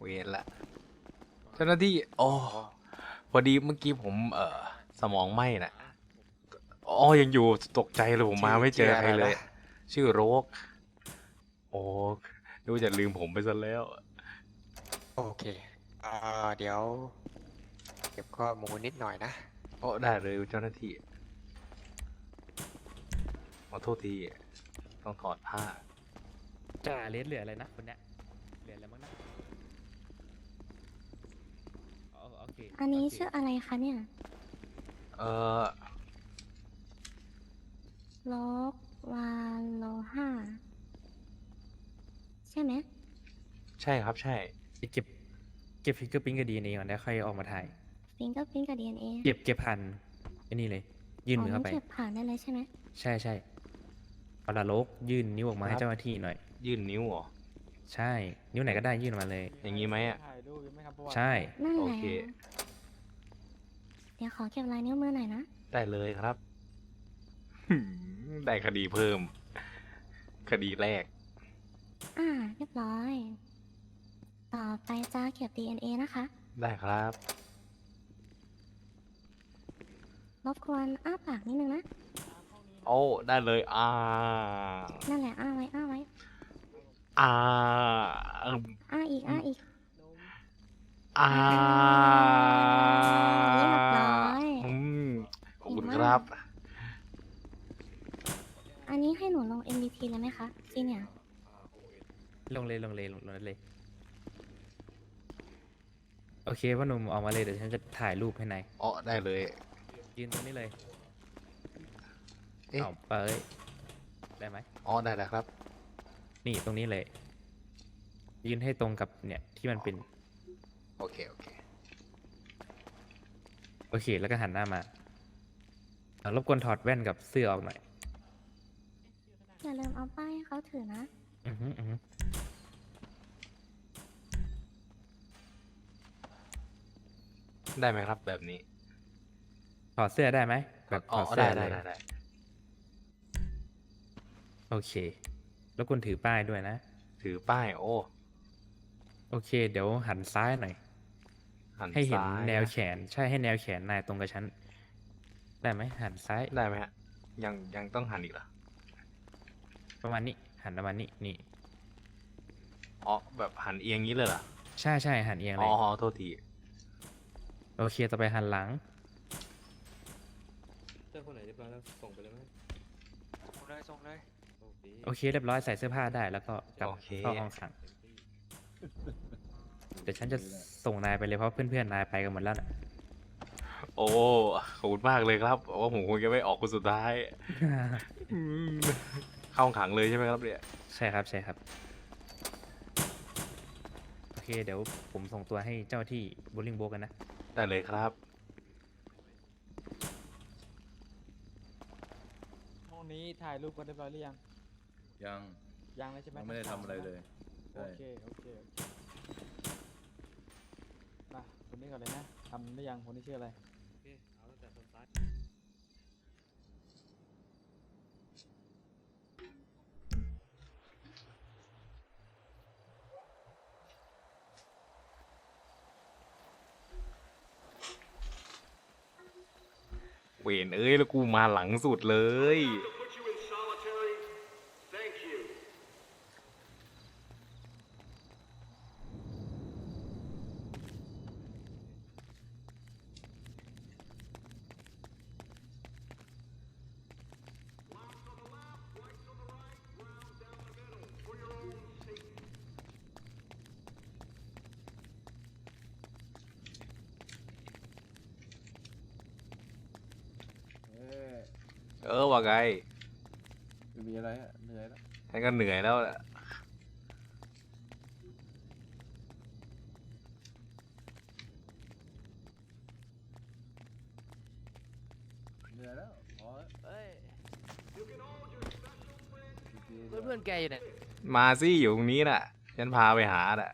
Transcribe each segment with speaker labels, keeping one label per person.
Speaker 1: เวรละเจ้าหน้าที่อ๋อพอดีเมื่อกี้ผมสมองไหม้น่ะอ๋อยังอยู่ตกใจเลยผมมาไม่เจอใครเลย ชื่อโรกโอ้ดูจะลืมผมไปซะแล้ว
Speaker 2: โอเคเดี๋ยวเก็บข้อมูลนิดหน่อยนะ
Speaker 1: โอ้ได้เลยเจ้าหน้าที่ขอโทษทีต้องถอดผ้า
Speaker 3: จ่าเลสเหลืออะไรนะคนเนี้ยเหลืออะไรบ้างนะโอเค
Speaker 4: อันนี้
Speaker 3: โเค
Speaker 4: ชื่ออะไรคะเนี่ย
Speaker 1: เออ
Speaker 4: โลกวาโลห้าใช่ไหม
Speaker 1: ใช่ครับใช่
Speaker 3: เก็บเก็บฟิงเกอร์พิ้นกับดีเอ็นเอก่อนแล้วค่อยออกมาถ่าย
Speaker 4: ฟิงเกอร์พิ้นกับดีเอ็นเอ
Speaker 3: เก็บผ่านไอ้นี่เลยยื่นมือเข้าไป
Speaker 4: เก็บผ่านได้เลยใช่ไหม
Speaker 3: ใช่เอาละโลกยื่นนิ้วออกมาให้เจ้าหน้าที่หน่อย
Speaker 1: ยื่นนิ้วเหรอ
Speaker 3: ใช่นิ้วไหนก็ได้ยื่นออกมาเลย
Speaker 1: อย่างนี้ไหมอ่ะ
Speaker 3: ใช่
Speaker 4: นั่น
Speaker 1: โอ
Speaker 4: แหละ
Speaker 1: เค
Speaker 4: เดี๋ยวขอเก็บลายนิ้วมือหน่อยนะ
Speaker 1: ได้เลยครับได้คดีเพิ่ม คดีแรก
Speaker 4: เรียบร้อย ต่อไปจะเก็บ DNA นะคะ
Speaker 1: ได้ครับ
Speaker 4: รบกวนอ้าปากนิดนึงนะ
Speaker 1: โอ้ได้เลย
Speaker 4: นั่นแหละอ้าไว้อ้าไว้
Speaker 1: อ่าอืม
Speaker 4: อ้าอีกอ้าอีก
Speaker 1: อ่า
Speaker 4: เรียบร้อย
Speaker 1: อืมขอบคุณครับ
Speaker 4: อันนี้ให้หนูลง MVP เลยไหมคะซีเนี่ย
Speaker 3: ลงเลยโอเคพ่อหนุ่มออกมาเลยเดี๋ยวฉันจะถ่ายรูปให้นาย
Speaker 1: อ๋อได้เลย
Speaker 3: ยืนตรงนี้เลย
Speaker 1: เอ๊ะ
Speaker 3: เอาไปได้ไหม
Speaker 1: อ๋อได้แล้วครับ
Speaker 3: นี่ตรงนี้เลย ยืนให้ตรงกับเนี่ยที่มันเป็น
Speaker 1: โอเคโอเค
Speaker 3: โอเคแล้วก็หันหน้ามาเอารบกวนถอดแว่นกับเสื้อออกหน่อย
Speaker 4: อย่าลืมเอาป้ายให้เขาถือนะ
Speaker 3: อือฮึ
Speaker 1: ได้ไหมครับแบบนี้
Speaker 3: ถอดเสื้อได้ไหมแบบถ
Speaker 1: อ๋อ
Speaker 3: อดเสื้
Speaker 1: ได้
Speaker 3: อ
Speaker 1: ได้
Speaker 3: เลย
Speaker 1: ได้
Speaker 3: โอเคแล้วคุณถือป้ายด้วยนะ
Speaker 1: ถือป้ายโอ้
Speaker 3: โอเค เดี๋ยวหันซ้ายหน่อย
Speaker 1: หัน
Speaker 3: ให้เห็น
Speaker 1: ซ้าย
Speaker 3: แนวแขน ใช่ให้แนวแขนนายตรงกับฉัน ได้ไหมหันซ้าย
Speaker 1: ได้ไหมฮะยังต้องหันอีกเหรอ
Speaker 3: ประมาณนี้หันประมาณนี้นี่
Speaker 1: อ๋อแบบหันเอียงงี้เลยเหรอ
Speaker 3: ใช่หันเอียงเล
Speaker 1: อ๋
Speaker 3: ย
Speaker 1: อโทษที
Speaker 3: โอเคต่อไปหันหลัง
Speaker 5: เจ้าคนไหนเรียบร้อยแล้วส่งไปเลยไหม
Speaker 2: ส่งเลย
Speaker 5: โอเค
Speaker 3: โอเคเรียบร้อยใส่เสื้อผ้าได้แล้วก็กลับ
Speaker 1: โอเค
Speaker 3: เข้าห้องขังเดี๋ยวฉันจะส่งนายไปเลยเพราะเพื่อนๆนายไปกันหมดแล้วนะ
Speaker 1: โอ้ขอบคุณมากเลยครับว่าผมคงจะไม่ออกคนสุดท้ายอืมเข้าขังเลยใช่ไหมครับเนี่ย
Speaker 3: ใช่ครับโอเคเดี๋ยวผมส่งตัวให้เจ้าที่บูลลิงโบกันนะ
Speaker 1: ได้เลยครับ
Speaker 6: ห้องนี้ถ่ายรูปกันเรียบร้อยหรือยัง
Speaker 5: ยัง
Speaker 6: ยังเลยใช่ไหม
Speaker 5: ยังไม่ได้ทำอะไรเลย
Speaker 6: โอ
Speaker 5: ใช่
Speaker 6: เคมาคนนี้ก่อนเลยนะทำได้ยังคนนี้ชื่ออะไร
Speaker 5: โอเค เอาตั้งแต่คนซ้าย
Speaker 1: เวนเอ้ยแล้วกูมาหลังสุดเลย
Speaker 5: เอ้ย
Speaker 1: ว่าไง
Speaker 5: ไม่มีอะไรอะเหนื่อยแล้ว
Speaker 1: ฉันก็เหนื่อยแล้วแหละ
Speaker 5: เหนื่อยแล้วพอแล้ว
Speaker 2: เฮ้ย
Speaker 5: ดีๆ
Speaker 2: เพื่อนแกอยู่เนี่ย
Speaker 1: มาสิอยู่ตรงนี้น่ะ ฉันพาไปหาน่ะ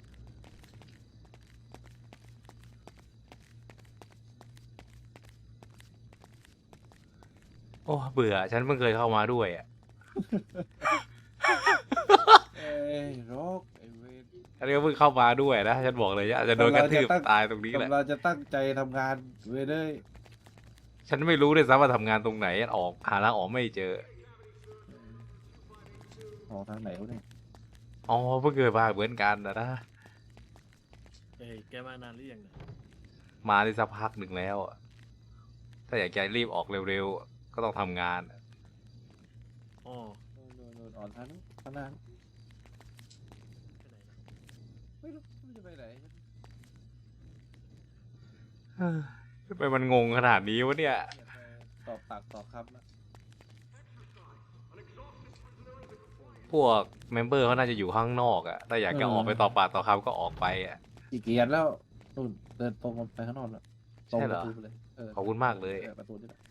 Speaker 1: โอ้เบื่อ ฉันเพิ่งเคยเข้ามาด้วยอ่ะ
Speaker 5: เอ้ยโรคไอ้เวร
Speaker 1: อันนี้ก็เพิ่งเข้ามาด้วยนะฉันบอกเลยอาจจะโดนกระทืบตายตรงนี้แหละ
Speaker 5: กำลังจะตั้งใจทำงานเว้ยเลย
Speaker 1: ฉันไม่รู้เลยซ้ำว่าทำงานตรงไหนออกหาทางออกไม่เจอ
Speaker 5: ออกทางไหนวะเนี่ย
Speaker 1: อ๋อเพิ่งเคยมาเหมือนกันนะ
Speaker 7: เอ้ยแกมานานหรือยังเนี่ย
Speaker 1: มาได้สักพักหนึ่งแล้วอะถ้าอยากจะรีบออกเร็วๆก็ต้องทำงาน
Speaker 7: อ๋อ
Speaker 5: โดนอ่อนทางนู้นข้างหน้า
Speaker 7: ไปไหนนะ
Speaker 5: ไม่รู้จะไปไหน
Speaker 1: ทำไมมันงงขนาดนี้วะเนี่ย
Speaker 5: ตอบปากตอบคำนะ
Speaker 1: พวกเมมเบอร์เขาน่าจะอยู่ข้างนอกอะถ้าอยากจะออกไปต่อปากต่อคำก็ออกไปอะ
Speaker 5: กี่เกียร์แล้วนู่นเดินตรงไปข้างนอกแล้วตรง
Speaker 1: ใช่
Speaker 5: ป
Speaker 1: เหร
Speaker 5: ระ
Speaker 1: อ
Speaker 5: ตูไปเลย
Speaker 1: ขอบคุณมากเลย
Speaker 5: ประตูนี่แหละ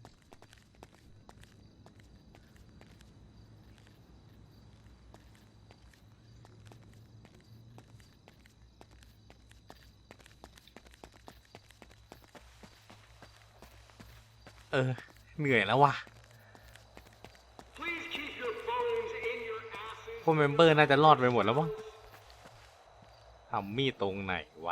Speaker 1: เหนื่อยแล้วว่ะพวกเมมเบอร์น่าจะรอดไปหมดแล้วมั้งทำมีดตรงไหนวะ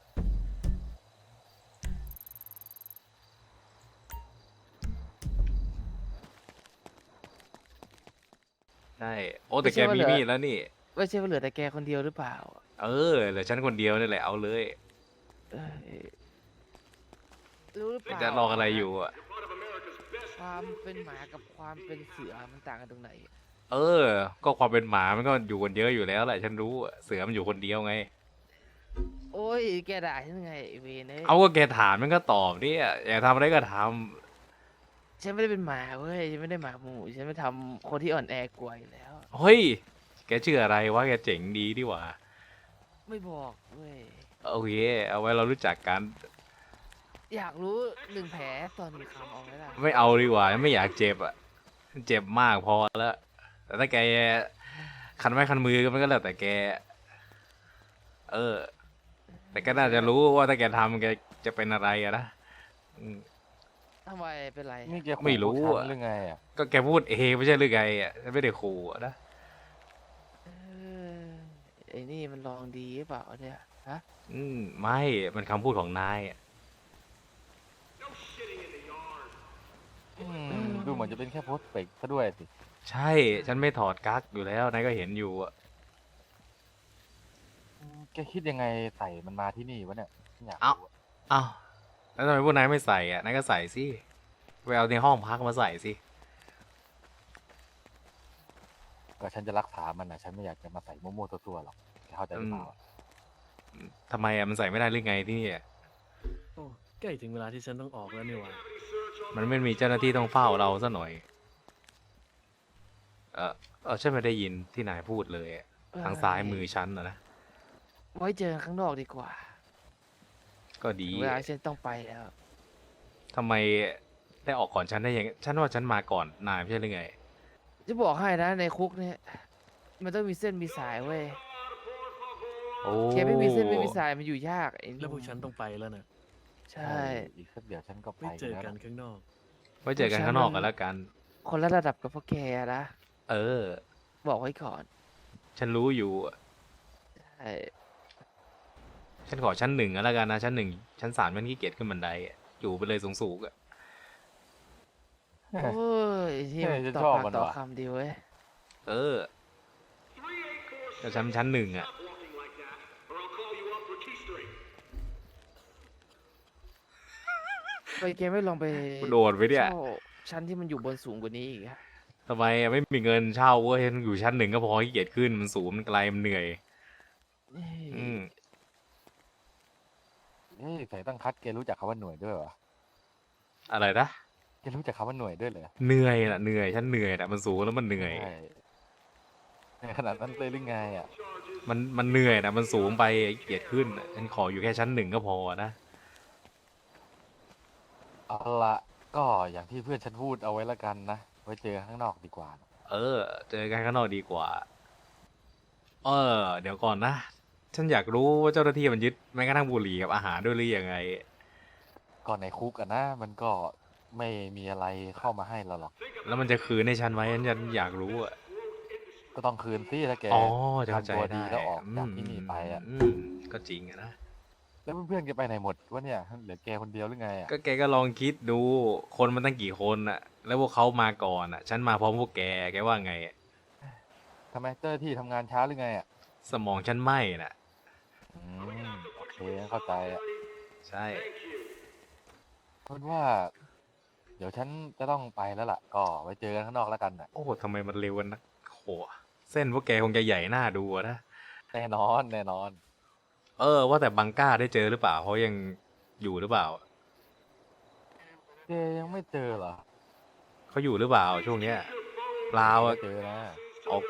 Speaker 1: ใช่ โอ้แต่แกมีมีดแล้วนี่
Speaker 8: ไม่ใช่ว่าเหลือแต่แกคนเดียวหรือเปล่า
Speaker 1: เหลือฉันคนเดียวนี่แหละเอาเลย
Speaker 8: เอ้ยรู้หรือเปล่า
Speaker 1: จะรออะไรอยู่อะ
Speaker 8: ความเป็นหมากับความเป็นเสือมันต่างกันตรงไหน
Speaker 1: ก็ความเป็นหมามันก็อยู่คนเดียวอยู่แล้วแหละฉันรู้อะเสือมันอยู่คนเดียวไง
Speaker 8: โอ้ยแกด่าฉันไงไอ้เวนเอ้ย
Speaker 1: เอาก็แกถามมันก็ตอบดิอยากทำอะไรก็ท
Speaker 8: ฉันไม่ได้เป็นหมาเว้ยฉันไม่ได้หมาหมู่ฉันไม่ทำคนที่อ่อนแอกลัวอยู่แล้ว
Speaker 1: ำเฮ้ย แกชื่ออะไรวะแกเจ๋งดีดีหว่า
Speaker 8: ไม่บอกเว้ย
Speaker 1: โอเค เอาไว้เรารู้จักกัน
Speaker 8: อยากรู้หนึ่งแผลตอนมีคำเอาไหมล่ะ
Speaker 1: ไม่เอาดีกว่าไม่อยากเจ็บอ่ะเจ็บมากพอแล้ว แต่ถ้าแกคันไม้คันมือมันก็แล้วแต่แก แต่ก็น่าจะรู้ว่าถ้าแกทำแกจะเป็นอะไรอะนะอืม
Speaker 8: ทำไมเป็นไร
Speaker 9: นี่แกขู่
Speaker 1: ไม่รู้
Speaker 9: ฉัน
Speaker 1: อะ
Speaker 9: หรือไงอ่ะ
Speaker 1: ก็แกพูดเองไม่ใช่หรือไงอ่ะฉันไม่ได้ขู่อะนะ
Speaker 8: เออไอ้นี่มันลองดีหรือเปล่าเนี่ยฮะ
Speaker 1: ไม่มันคำพูดของนายอะ
Speaker 9: ดูเหมือนจะเป็นแค่โพสต์เฟกซะด้วยสิ
Speaker 1: ใช่ฉันไม่ถอดกั๊กอยู่แล้วนายก็เห็นอยู่อะ
Speaker 9: แกคิดยังไงใส่มันมาที่นี่วะเนี่ยอยาก
Speaker 1: เอ้า
Speaker 9: รู้อะ
Speaker 1: อ้าวแล้วทำไมพวกนายไม่ใส่อ่ะนายก็ใส่สิไปเอาในห้องพักมาใส่สิ
Speaker 9: ก็ฉันจะรักษามันนะฉันไม่อยากจะมาใส่โมโม่ตัวๆหรอกแกเข้าใจหรือเปล่าอะ
Speaker 1: ทำไมอ่ะมันใส่ไม่ได้หรือไงที่นี่อะ
Speaker 7: โอ้ใกล้ถึงเวลาที่ฉันต้องออกแล้วนี่หว่า
Speaker 1: มันไม่มีเจ้าหน้าที่ต้องเฝ้าเราซะหน่อย ฉันไม่ได้ยินที่นายพูดเลยอะทางซ้ายมือฉันนะ
Speaker 8: ไว้เจอกันข้างนอกดีกว่า
Speaker 1: ก็ดี
Speaker 8: เวลาฉันต้องไปแล้ว
Speaker 1: ทำไมได้ออกก่อนฉันได้ยังฉันว่าฉันมาก่อนนายไม่ใช่หรือไง
Speaker 8: จะบอกให้นะในคุกเนี่ยมันต้องมีเส้นมีสายเว้ย
Speaker 1: โอ้
Speaker 8: แกไม่มีเส้นไม่มีสายมันอยู่ยากไอ้
Speaker 7: แล้วพวกฉันต้องไปแล้วนะ
Speaker 8: ใช่
Speaker 9: อีกสักเดี๋ยวฉันก็ไป
Speaker 7: ไม่เจอ
Speaker 9: แล้ว
Speaker 7: กัน
Speaker 9: นะ
Speaker 7: ข้างนอก
Speaker 1: ไว้เจอกันข้างนอกกันแล้วกัน
Speaker 8: คนละระดับกับพวกแกนะ
Speaker 1: เออ
Speaker 8: บอกไว้ก่อน
Speaker 1: ฉันรู้อยู่
Speaker 8: ใช่
Speaker 1: ฉันขอชั้นหนึ่งก็แล้วกันนะชั้นหนึ่งชั้นสามมันขี้เกียจขึ้นบันไดอะอยู่ไปเลยสูงๆอะ
Speaker 8: โอ้ยที่มัน
Speaker 9: ฉัน
Speaker 8: ต่อ
Speaker 9: ชอบ
Speaker 8: ปาก
Speaker 9: มัน
Speaker 8: ต่อ
Speaker 9: ว่ะ
Speaker 8: คำดีเว้ย
Speaker 1: ก็ชั้นหนึ่งอะ
Speaker 8: ไปแกไม่ลองไป
Speaker 1: โดดไปเนี่ย
Speaker 8: เช่าชั้นที่มันอยู่บนสูงกว่านี้อีกอะ
Speaker 1: ทำไมอะไม่มีเงินเช่าเว้ยอยู่ชั้นหนึ่งก็พอขี้เกียจขึ้นมันสูงมันไกลมันเหนื่อย
Speaker 8: เอ้ย
Speaker 1: อืม
Speaker 9: เอ้ยใส่ตั้งคัดแกรู้จักคำว่าหน่วยด้วยเหรอ
Speaker 1: อะไรนะ
Speaker 9: แกรู้จักคำว่าหน่วยด้วยเหรอ
Speaker 1: เหนื่อยน่ะเหนื่อยฉันเหนื่อยน่ะมันสูงแล้วมันเหนื่อย
Speaker 9: ใช่ในขนาดนั้นเลยหรือไงอ่ะ
Speaker 1: มันเหนื่อยน่ะมันสูงไปขี้เกียจขึ้นน่ะฉันขออยู่แค่ชั้นหนึ่งก็พอนะ
Speaker 9: เอาละก็อย่างที่เพื่อนฉันพูดเอาไว้ละกันนะไว้เจอข้างนอกดีกว่านะ
Speaker 1: เจอกันข้างนอกดีกว่า เดี๋ยวก่อนนะ ฉันอยากรู้ว่าเจ้าหน้าที่มันยึดแม้กระทั่งบุหรี่กับอาหารด้วยหรือยังไง
Speaker 9: ก่อนในคุกอะนะมันก็ไม่มีอะไรเข้ามาให้เราหรอก
Speaker 1: แล้วมันจะคืนให้ฉันไหมฉันอยากรู้อะ
Speaker 9: ก็ต้องคืนสิถ้าแก
Speaker 1: อ๋อจะเข้าใจ
Speaker 9: ทำตัวดี
Speaker 1: ได้
Speaker 9: แล้วออกจากที่นี่ไปอ่ะ
Speaker 1: ก็จริงอะนะ
Speaker 9: แล้วเพื่อนๆแกไปไหนหมดวะเนี่ยเหลือแกคนเดียวหรือไงอ่ะ
Speaker 1: ก็แกก็ลองคิดดู คนมันตั้งกี่คนอะแล้วพวกเขามาก่อนอะฉันมาพร้อมพวกแกว่าไงอะ
Speaker 9: ทำไมเจ้าหน้าที่ทำงานช้าหรือไงอ่ะ
Speaker 1: สมองฉันไหม้น่ะ
Speaker 9: อืมโอเคเข้าใจอ่ะ
Speaker 1: ใช่
Speaker 9: เพราะว่า เดี๋ยวฉันจะต้องไปแล้วล่ะ ก็ไว้เจอกันข้างนอกแล้วกันน่ะ
Speaker 1: โอ้ทำไมมันเร็วกันนะโหเส้นพวกแกคงจะใหญ่หน้าดูอะนะ
Speaker 9: แน่นอนแน่นอน
Speaker 1: ว่าแต่บังก้าได้เจอหรือเปล่าเขายังอยู่หรือเปล่า
Speaker 9: แกยังไม่เจอเหรอ
Speaker 1: เขาอยู่หรือเปล่าช่วงเนี้ยเปล่า
Speaker 9: ไม่
Speaker 1: อะ
Speaker 9: เจอนะ
Speaker 1: โอเค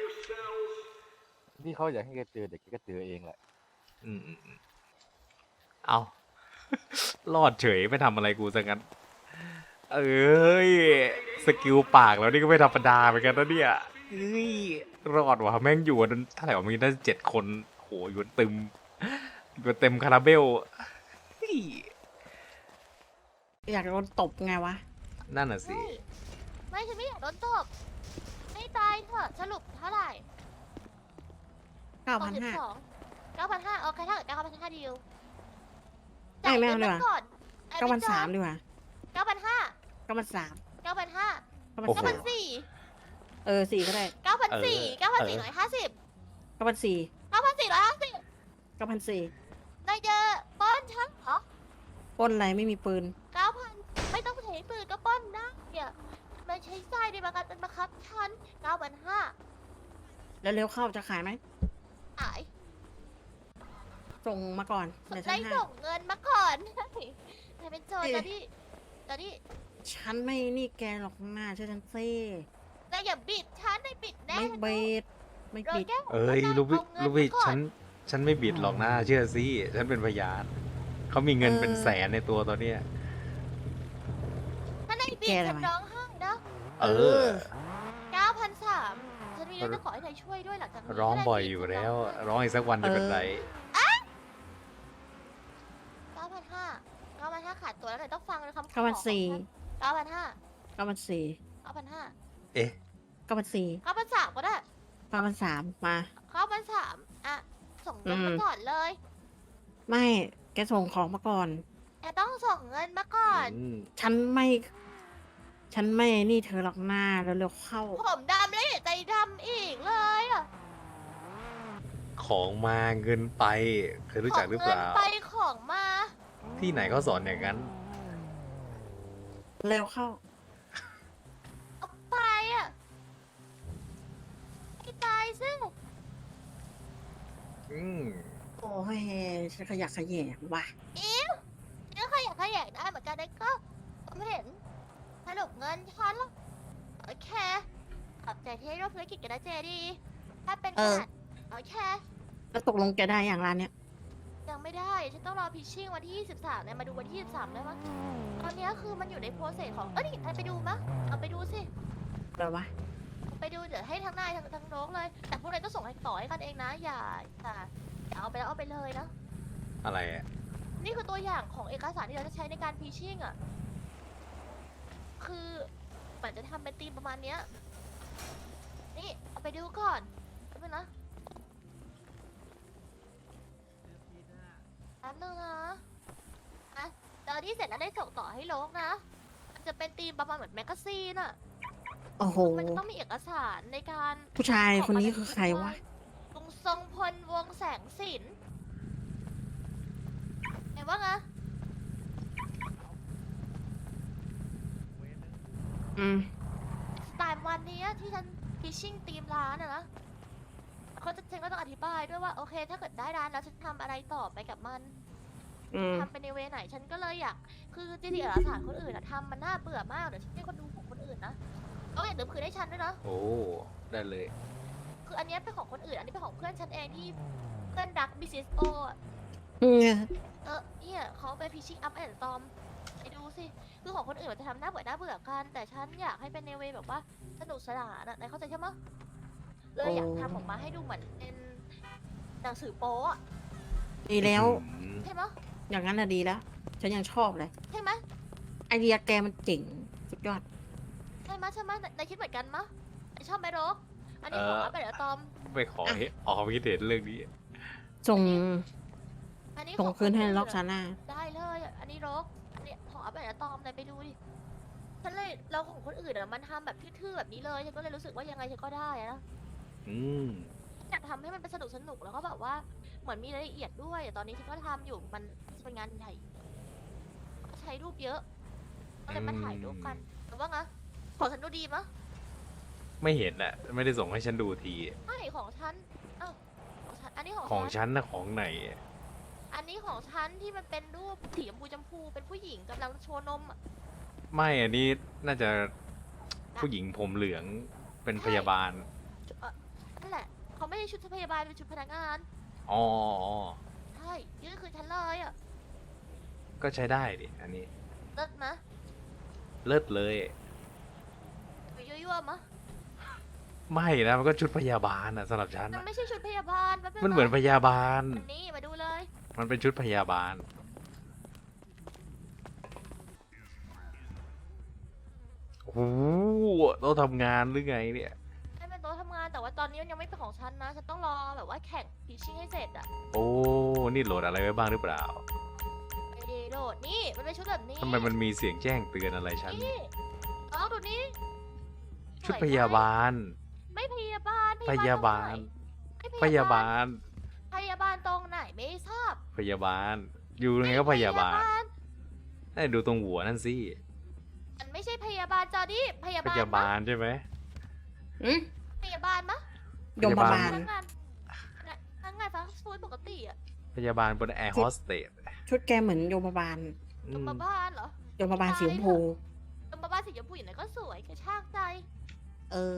Speaker 9: ที่เขาอยากให้แกเจอเด็กแกก็เจอเองแหละ
Speaker 1: อืมเอา รอดเฉยไม่ทำอะไรกูซะงั้น เอ้ย สกิลปากแล้วนี่ก็ไม่ธรรมดาเหมือนกันนะเนี่ยเอ้ยรอดว่ะแม่งอยู่กันเท่าไหร่วะมีได้7 คนโหอยู่กันเต็มคาราเบลเฮ้ย
Speaker 10: อยากโดนตบไงวะ
Speaker 1: นั่นน่ะสิ
Speaker 4: ไม่ฉันไม่อยากโดนตบไม่ตายเถอะสรุปเท่าไหร่
Speaker 10: 9,500
Speaker 4: 9,500โอเคถ้าเกิด9,500ดีล
Speaker 10: ไม่ไม่เอาดีกว่า
Speaker 4: ก่อน
Speaker 10: 9,300ดีกว่า
Speaker 4: 9,500
Speaker 10: 9,300
Speaker 4: 9,500
Speaker 1: โอ้โห
Speaker 10: 9,400 4ก็ได้
Speaker 4: 9,400 9,450
Speaker 10: 9,400
Speaker 4: 9,450
Speaker 10: 9,400
Speaker 4: นายเจอป้อนฉันเหรอ
Speaker 10: ปล้นอะไรไม่มีปืน
Speaker 4: 9,000ไม่ต้องใช้ปืนก็ป้อนได้เนี่ยมันใช้ทรายในประกันเป็นบังคับฉัน 9,500
Speaker 10: แล้วเร็วเข้าจะขายไหม
Speaker 4: อาย
Speaker 10: ส่งมาก่อนเดี๋ยวฉั
Speaker 4: ได้
Speaker 10: นให้
Speaker 4: ส่งเงินมาก่อนนายเป็นโจรตอนนี้
Speaker 10: ฉันไม่นี่แกหรอกหน้าเชื่อฉันซิ
Speaker 4: นายอย่าบิดฉันนายบิดแน่
Speaker 10: ไม่
Speaker 4: ฉัน
Speaker 10: เบ
Speaker 4: รู้
Speaker 10: ดไม่
Speaker 4: โดน
Speaker 10: ปิด
Speaker 4: แก้ว
Speaker 1: เอ้ย
Speaker 4: หัว
Speaker 1: ลูกพี่
Speaker 4: เอาเงินมาก่อน
Speaker 1: ฉันไม่บิดหรอกนะเชื่อสิฉันเป็นพยานเขามีเงินเป็นแสนในตัวตอนเนี้ย
Speaker 4: ถ้านายบิด
Speaker 10: แก
Speaker 4: ฉั
Speaker 10: ทำ
Speaker 4: น
Speaker 10: ไม
Speaker 4: ร้องไห้นะ
Speaker 1: เออ
Speaker 4: 9,300ฉันมีเรื่องจะขอให้นายช่วยด้วยหลังจากนี้
Speaker 1: ร้อง
Speaker 4: ถ้านาย
Speaker 1: บ่อย
Speaker 4: บิด
Speaker 1: อยู่
Speaker 4: ฉัน
Speaker 1: แล้ว
Speaker 4: ร้องไห้
Speaker 1: ร้องอีกสักวันจะเป็นไร
Speaker 4: 9,500ขาดตัวแล้วหน่อยต้องฟังคำขอ
Speaker 10: 9,400
Speaker 4: 9,500
Speaker 10: 9,400
Speaker 4: 9,500
Speaker 1: เอ๊ะ
Speaker 10: 9,400
Speaker 4: 9,300ก็ได้
Speaker 10: 9,300มา
Speaker 4: 9,300อ่ะส่งเงินมาก่อนเลย
Speaker 10: ไม่แกส่งของมาก่อน
Speaker 4: แต่ต้องส่งเงินมาก่อน
Speaker 10: ฉันไม่นี่เธอหรอกหน้าแล้วเร็วเข้า
Speaker 4: ผมดำแล้วอย่าใจดำอีกเลยอ่ะ
Speaker 1: ของมาเงินไป เคยรู้จักหรือเปล่า
Speaker 4: ขงงินไปของมา
Speaker 1: ที่ไหนเขาสอนอย่างนั้น
Speaker 10: เร็วเข้า
Speaker 4: เอาไปอ่ะให้ตายซึ่ง
Speaker 1: อืม
Speaker 10: โอ้ยฉันขยักขยแยงว่ะ
Speaker 4: นี่ขยักขยงได้เหมือนกันนะก็ผมเห็นสรุปเงินฉันแล้วโอเคขอบใจที่ร่วมธุรกิจกันนะเจดี ถ้าเป็นขนาดโอเค
Speaker 10: แล้วตกลงแกได้อย่างร้านเนี้ย
Speaker 4: ยังไม่ได้ ฉันต้องรอพิชชิ่งวันที่ 23เนี่ยมาดูวันที่ 23ได้มั้งตอนเนี้ยคือมันอยู่ในโปรเซสของ นี่ไปดูมะเอาไปดูสิ
Speaker 10: อะไรวะ
Speaker 4: ไปดูเดี๋ยวให้ทั้งนายทั้งน้องเลย แต่พวกนายต้องส่งให้ต่อให้กันเองนะ อย่าเอาไปแล้วเอาไปเลยนะ
Speaker 1: อะไรอ่ะ
Speaker 4: นี่คือตัวอย่างของเอกสารที่เราจะใช้ในการพิชชิ่งอ่ะ คือเหมือนจะทำเป็นธีมประมาณเนี้ย นี่เอาไปดูก่อนแป๊บนึงนะแป๊บนึงนะอ่ะตอนที่เสร็จแล้วได้ส่งต่อให้โลกนะ มันจะเป็นธีมประมาณเหมือนแมกกาซีนอ่ะ
Speaker 10: โอ้โห
Speaker 4: มันจะต้องมีเอกสารในการ
Speaker 10: ผู้ชายคนนี้คือใครวะ
Speaker 4: ลุงทรงพลวงแสงสินเห็นว่าไง
Speaker 10: อืม
Speaker 4: สไตล์วันนี้ที่ฉันพิชชิ่งทีมร้านอะนะฉันก็ต้องอธิบายด้วยว่าโอเค ถ้าเกิดได้ร้านแล้วฉันทำอะไรต่อไปกับมัน
Speaker 10: อืม
Speaker 4: ทำเป็นในเวไหนฉันก็เลยอยากคือจริงๆเอกสารคนอื่นอะทำมันน่าเบื่อมากเดี๋ยวฉันให้คนดูของคนอื่นนะก็อย่าลืมคืนให้ฉันด้วยนะ
Speaker 1: โอ้ ได้เลย
Speaker 4: คืออันเนี้ยเป็นของคนอื่นอันนี้เป็นของเพื่อนฉันเองที่เพื่อนรักบิซิสโออะ เนี่ยเขาไปพิชชิ่งอัพแอนด์ตอมไปดูสิ คือของคนอื่นมันจะทำหน้าเบื่อกัน แต่ฉันอยากให้เป็นในเวแบบว่าสนุกสนานอะนายเข้าใจใช่ไหมเลยอยากทำออกมาให้ดูเหมือนเป็นหนังสือโป๊อะ
Speaker 10: ดีแล้ว
Speaker 4: ใช่ไหม
Speaker 10: อย่างนั้นน่ะดีแล้ว ฉันยังชอบเลย
Speaker 4: ใช่ไหม
Speaker 10: ไอเดียแกมันเจ๋ง สุดยอด
Speaker 4: ใช่ไหมนายคิดเหมือนกันมะนายชอบไหมโรกอันนี้ขออัปเดตอะตอม
Speaker 1: ไปขอให้ออกคิดเห็นเรื่องนี้
Speaker 10: ส่ง
Speaker 4: อันนี้
Speaker 10: ส่ง
Speaker 4: ของ
Speaker 10: คืนให้
Speaker 4: ค
Speaker 10: ล็อกซาน่า
Speaker 4: ได้เลยอันนี้รกอันนี้ขออัปเดตอะตอมเลยไปดูดิฉันเลยเราของคนอื่นอะมันทำแบบทื่อๆแบบนี้เลยฉันก็เลยรู้สึกว่ายังไงฉันก็ได้อะนะ
Speaker 1: อืม
Speaker 4: อยากทำให้มันเป็นสนุกแล้วก็แบบว่าเหมือนมีรายละเอียดด้วยตอนนี้ฉันก็ทำอยู่มันเป็นงานใหญ่ใช้รูปเยอะก็เลยมาถ่ายรูปกันหรือว่าไงของฉันดูดีมะ
Speaker 1: ไม่เห็นอ่ะ ไม่ได้ส่งให้ฉันดูที
Speaker 4: ไม่ของฉันอ้าวของฉันอันนี้ของ
Speaker 1: ของ
Speaker 4: ฉัน
Speaker 1: ฉันนะของไหนอะ
Speaker 4: อันนี้ของฉันที่มันเป็นรูปสีชมพูเป็นผู้หญิงกำลังโชว์นมอะ
Speaker 1: ไม่อันนี้น่าจะผู้หญิงผมเหลืองเป็นพยาบาล
Speaker 4: นั่นแหละเขาไม่ใช่ชุดพยาบาลเป็นชุดพนักงาน
Speaker 1: อ๋อ
Speaker 4: ใช่นี่ก็คือฉันเลยอ่ะ
Speaker 1: ก็ใช้ได้ดิ อันนี้
Speaker 4: เลิศมะ
Speaker 1: เลิศเลย
Speaker 4: ยั่วๆมะ
Speaker 1: ไม่นะ มันก็ชุดพยาบาลอะสำหรับฉัน
Speaker 4: มัน
Speaker 1: อะ
Speaker 4: ไม่ใช่ชุดพยาบาลมันเป็น
Speaker 1: มันเหมือนพยาบาล
Speaker 4: อันนี้มาดูเลย
Speaker 1: มันเป็นชุดพยาบาล โอ้โหเราทำงานหรือไงเนี่ย
Speaker 4: ให้เป็นโต๊ะทำงานแต่ว่าตอนนี้มันยังไม่เป็นของฉันนะฉันต้องรอแบบว่าแข่งพิชชิ่งให้เสร็จอ่ะ
Speaker 1: โอ้ นี่โหลดอะไรไว้บ้างหรือเปล่า
Speaker 4: ไม่ได้โหลดนี่มันเป็นชุดแบบนี้
Speaker 1: ทำไมมันมีเสียงแจ้งเตือนอะไรฉัน
Speaker 4: นี่เอาดูนี่
Speaker 1: ชุดพยาบาล
Speaker 4: ไม่พยาบาล
Speaker 1: พยาบาล
Speaker 4: ตรงไหน
Speaker 1: พยาบาล
Speaker 4: พยาบาลตรงไหนไม่ทราบ
Speaker 1: พยาบาล อยู่ยังไงก็พยาบาลได้ดูตรงหัวนั่นสิ
Speaker 4: มันไม่ใช่พยาบาลจอดี้พยา
Speaker 1: พ
Speaker 4: บาล
Speaker 1: ยาบาลใช่ไหม
Speaker 10: อืม
Speaker 4: พยาบาลมะ
Speaker 10: ยมบา
Speaker 1: พ
Speaker 10: ล
Speaker 1: ยาบาล
Speaker 4: พนักงานพนักงานฟาสต์ฟู้ดปกติอ่ะ
Speaker 1: พยาบาลบนแอร์โฮสเตส
Speaker 10: ชุดแกเหมือนยมบาล
Speaker 4: ยมบาลเหรอย
Speaker 10: มบาลสีชมพู
Speaker 4: ยมบาลสีชมพูอย่างไรก็สวยกระชากใจ
Speaker 10: เออ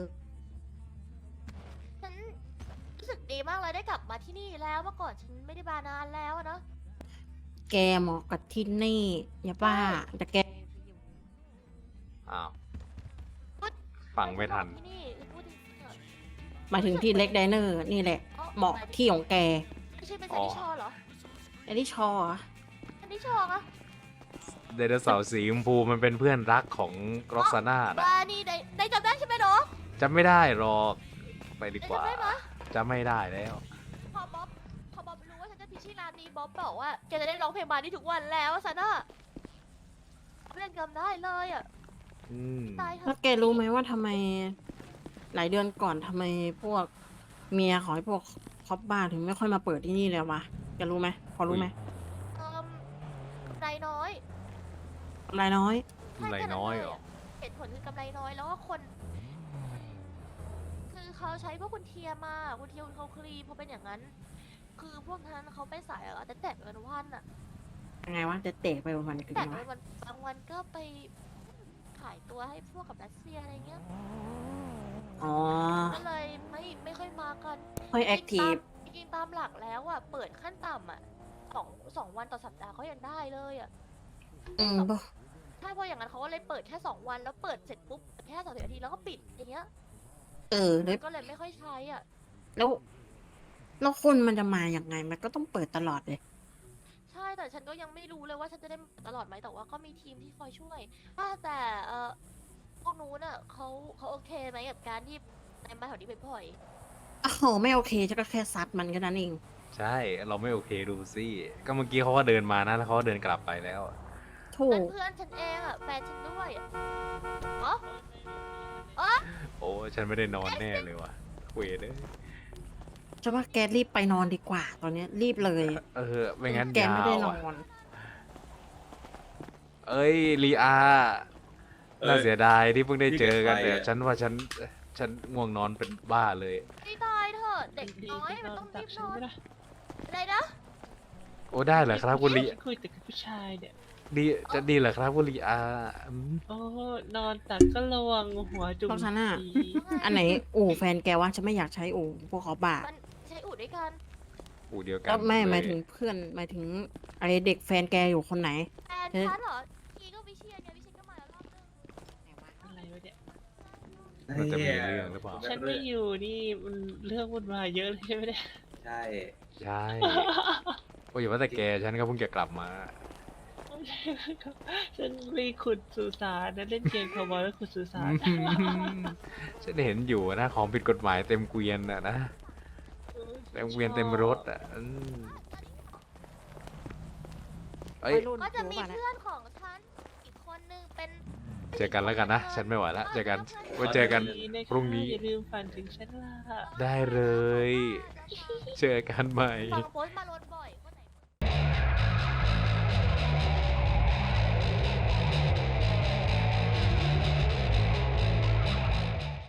Speaker 4: ฉันรู้สึกดีมากเลยได้กลับมาที่นี่แล้วเมื่อก่อนฉันไม่ได้มานานแล้วอะเนาะ
Speaker 10: แกเหมาะกับที่นี่อย่าบ้าแต่แก
Speaker 1: อ้าว ฟังไม่ทัน
Speaker 4: ที่นี่พูดจริงๆอะ
Speaker 10: หมายถึงที่เล็กไดเนอร์นี่แหละ
Speaker 4: อ๋อ
Speaker 10: เหมาะที่ของแก
Speaker 4: ไม่ใช่เป็นซันนี่ชอเหรอ
Speaker 10: ไอ้นี่ชอเหรอ
Speaker 4: ซันนี่ชออะ
Speaker 1: ไดโนเสาร์สีชมพูมันเป็นเพื่อนรักของร็อกซาน่านะ
Speaker 4: บานี่ได้จำได้ใช่ไหมเนาะ
Speaker 1: จำไม่ได้หรอก ไปดีกว่า
Speaker 4: จำได้ไหม
Speaker 1: จำไม่ได้แล้ว
Speaker 4: พอบ๊อบรู้ว่าฉันจะพิชชี่ร้านนี้บ๊อบบอกว่าแกจะได้ร้องเพลงบาร์นี่ทุกวันแล้วซันน่ะเพื่อนจำได้เลยอ่ะ
Speaker 1: อืม
Speaker 4: ตายเถ
Speaker 10: แล้ว
Speaker 4: อะ
Speaker 10: แกรู้ไหมว่าทำไม หลายเดือนก่อนทำไมพวกเมียของไอ้พวกคอปบ้าถึงไม่ค่อยมาเปิดที่นี่เลยวะแกรู้ไหมพอรู้ไหม
Speaker 4: กำไรน้อย
Speaker 10: รายน้อย
Speaker 1: กำไรน้อยเหรอ
Speaker 4: เหตุผลคือกำไรน้อยแล้วก็คน คือเขาใช้พวกคุณเทียมาคุณเทียคุณเขาคลีพอเป็นอย่างนั้น คือพวกนั้นเขาไปสายอะแต่แตกกันวันอะ
Speaker 10: ยังไงวะจะเตะไปวันๆกัน
Speaker 4: แตก
Speaker 10: วะ
Speaker 4: ไปวันบางวันก็ไปขายตัวให้พวกกับรัสเซียอะไรเงี้ย
Speaker 10: อ๋อ
Speaker 4: ก็เลยไม่ค่อยมากัน
Speaker 10: ค่อยแอคทีฟ
Speaker 4: จริงๆตามหลักแล้วอะเปิดขั้นต่ำอะสองวันต่อสัปดาห์เขายังได้เลยอะ
Speaker 10: อืมบ่
Speaker 4: ใช่เพราะอย่างนั้นเขาก็เลยเปิดแค่2 วันแล้วเปิดเสร็จปุ๊บแค่30 นาทีแล้วก็ปิดอย่างเงี้ย
Speaker 10: เออแล้ว
Speaker 4: ก็เลยไม่ค่อยใช้อ่ะ
Speaker 10: แล้วคนมันจะมาอย่างไง มันก็ต้องเปิดตลอดเลย
Speaker 4: ใช่แต่ฉันก็ยังไม่รู้เลยว่าฉันจะได้ตลอดไหมแต่ว่าก็มีทีมที่คอยช่วยแต่พวกนู้นอ่ะเขาโอเคไหมกับการที่ในมาแถวนี้บ่อย
Speaker 10: โอ้โหไม่โอเคจะก็แค่ซัดมันแค่นั้นเอง
Speaker 1: ใช่ เราไม่โอเคดูสิ ก็เมื่อกี้เขาก็เดินมานะ แล้วเขาก็เดินกลับไปแล้ว
Speaker 10: ถู
Speaker 4: ๆ
Speaker 10: ก
Speaker 4: เพื่อนฉันเองอ่ะแฟนฉันด้วยอะอ๋อ
Speaker 1: โอ้ ฉันไม่ได้นอนแน่เลยว่ะเวเลย
Speaker 10: จะว่าแกรีบไปนอนดีกว่า ตอนเนี้ยรีบเลย
Speaker 1: เออ ไม่งั้น
Speaker 10: แก
Speaker 1: ยา
Speaker 10: ไม่ได้
Speaker 1: วน
Speaker 10: อ
Speaker 1: อะ
Speaker 10: น
Speaker 1: เอ้ยลีอาน่าเสียดายที่เพิ่งได้เจอกัน
Speaker 7: นี่
Speaker 1: แต่
Speaker 7: แกใครอะ
Speaker 1: ฉันว่าฉันง่วงนอนเป็นบ้าเลย
Speaker 4: ไม่ตายเถอะเด็กน้อยมันต้องรีบนอนอะไรนะ
Speaker 1: โอ้ได้เหรอครับคุณลี
Speaker 8: คุยแต่กับผู้ชายเนี่ย
Speaker 1: ดีจะดีเหรอครับคุณลีอาอืม
Speaker 8: โอ้ นอนตักก็ระวังหัวจุ่ม
Speaker 10: เพราะฉะนั้นอะ
Speaker 8: สี
Speaker 10: อันไหนอู่แฟนแกวะฉันไม่อยากใช้อู่พวกเขาบ้า
Speaker 4: มันใช้อู่ด้วยกัน
Speaker 1: อู่เดียวกัน
Speaker 10: ก็ไม่
Speaker 1: เลย
Speaker 10: หมายถึงเพื่อนหมายถึงอะไรเด็กแฟนแกอยู่คนไหน
Speaker 4: แฟนฉันเหรอกีก็วิเชียนไงวิเชียนก็มาแล้วรอบนึง
Speaker 8: อะไรวะเนี่ย
Speaker 1: มันจะมีเรื่องหรือเปล่า
Speaker 8: ฉันไม่อยู่นี่มันเรื่องวุ่นวายเยอะเลยใช่ไหมเนี่ย
Speaker 7: ใช่
Speaker 1: ใช่ โอ้ยอย่าว่าแต่แกฉันก็เพิ่งจะกลับมา
Speaker 8: โอ้ยฉันไปขุดสุสานนะเล่นเกมคาวบอยแล้วขุดสุสาน
Speaker 1: ฉันเห็นอยู่นะของผิดกฎหมายเต็มเกวียนอะนะเต็มเกวียนเต็มรถอะเอ้ย
Speaker 10: วัยรุ่น
Speaker 4: ก็จะมี
Speaker 10: รู้ป่ะเนี่ย
Speaker 4: เพื่อนของฉันอีกคนนึงเป็น
Speaker 1: เจอกันแล้วกันนะ ฉันไม่ไหวละเจอกันไว้เจอกันพรุ่งนี้
Speaker 8: อย่าลืมฝันถึงฉันล่ะ
Speaker 1: ได้เลย เจอกันใหม่
Speaker 4: ฟังโพสต์มาลดบ่อย